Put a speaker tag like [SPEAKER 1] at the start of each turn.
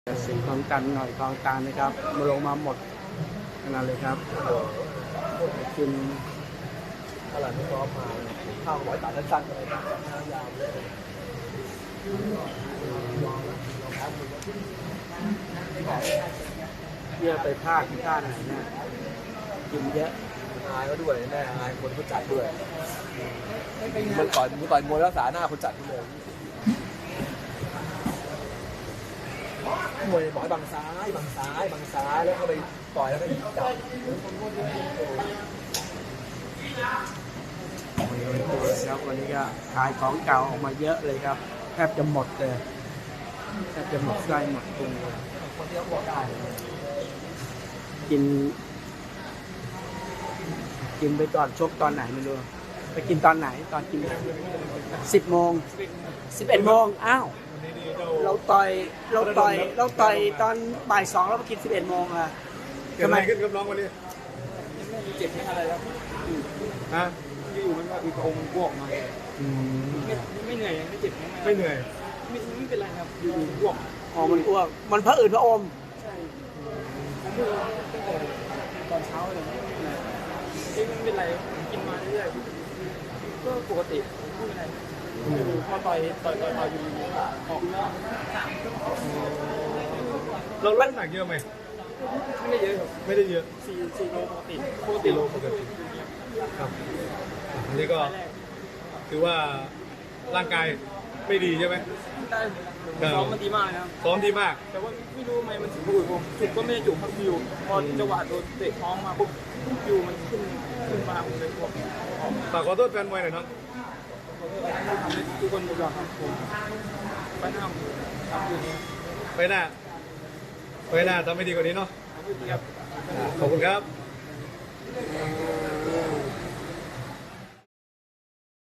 [SPEAKER 1] สีคลองตันหน่อยคลองตาลนะครับมาลงมาหมดขนาดเลยครับกิน
[SPEAKER 2] อะไรไม่พร้อมมาข้าวร้อยตัดสั้นๆเลยยาวเลย
[SPEAKER 1] เนี่ยไปภาคที่ท่าไหนเนี่ยกินเยอะ
[SPEAKER 2] อายก็ด้วยแน่อายคนเขาจัดด้วยมันต่อยมวยรักษาหน้าคนจัดด้วยมวยหมอยบังซ้ายแล้วก็ไปต่อยแล้วก็จับ
[SPEAKER 1] ครับวันนี้ก็ขายของเก่าออกมาเยอะเลยครับแทบจะหมดเลยแทบจะหมดไส้หมดตุงเลย
[SPEAKER 2] คนที่เขาบอกได้
[SPEAKER 1] กินไปก่อนชกตอนไหนไม่รู้ไปกินตอนไหนตอนกิน10 โมง11 โมงอ้าวเราต่อยตอนบ่าย 2แล้วไปกิน11 โมงอะ
[SPEAKER 3] ทำไมขึ้นกับน้องวันนี้
[SPEAKER 2] เจ็บไม่อะไรแล้ว
[SPEAKER 3] ฮะอยู่มันก็อีกองค์พวกมา
[SPEAKER 2] ไม่เหนื่อยไม่เจ็บ
[SPEAKER 3] ไม่เหนื่อย
[SPEAKER 2] ไม่เป็นไรครับอยู่พวก
[SPEAKER 1] อ๋อมันอ้วกมันพระอืดพระอม
[SPEAKER 2] ใช่ผมดูตั้งแต่ตอนเช้าเลยไม่เป็นไรกินมาเรื่อยๆก็ปกติไม่เป็นไรพอต่อยอยู่ออก
[SPEAKER 3] เราลดน้ำหนักเยอะไหม
[SPEAKER 2] ไม่ได้เยอะครับ
[SPEAKER 3] ไม่ได้เยอะ
[SPEAKER 2] 4 โลปกติ
[SPEAKER 3] ครับอันนี้ก็ถือว่าร่างกายไม่ดีใช่ไหม
[SPEAKER 2] ได้ซ้อมมันดีมากนะครับ
[SPEAKER 3] ซ้อมดีมาก
[SPEAKER 2] แต่ว่าไม่รู้ทำไมมันถึงบุกผมจุกก็ไม่ได้จุกครับอยู่พอจังหวะโดนเตะท้องมาปุ๊บอยู่มันขึ้นมาผมเลยบอก
[SPEAKER 3] ฝากขอโทษแฟนมวยหน่อยน้อง
[SPEAKER 2] ทำให้ทุกคนยอมครับผมไปหน้าทำอยู่นี้
[SPEAKER 3] ไปหน้าทำไม่ดีกว่านี้เนาะ
[SPEAKER 2] ขอบคุณครับ
[SPEAKER 3] ขอบคุณครับ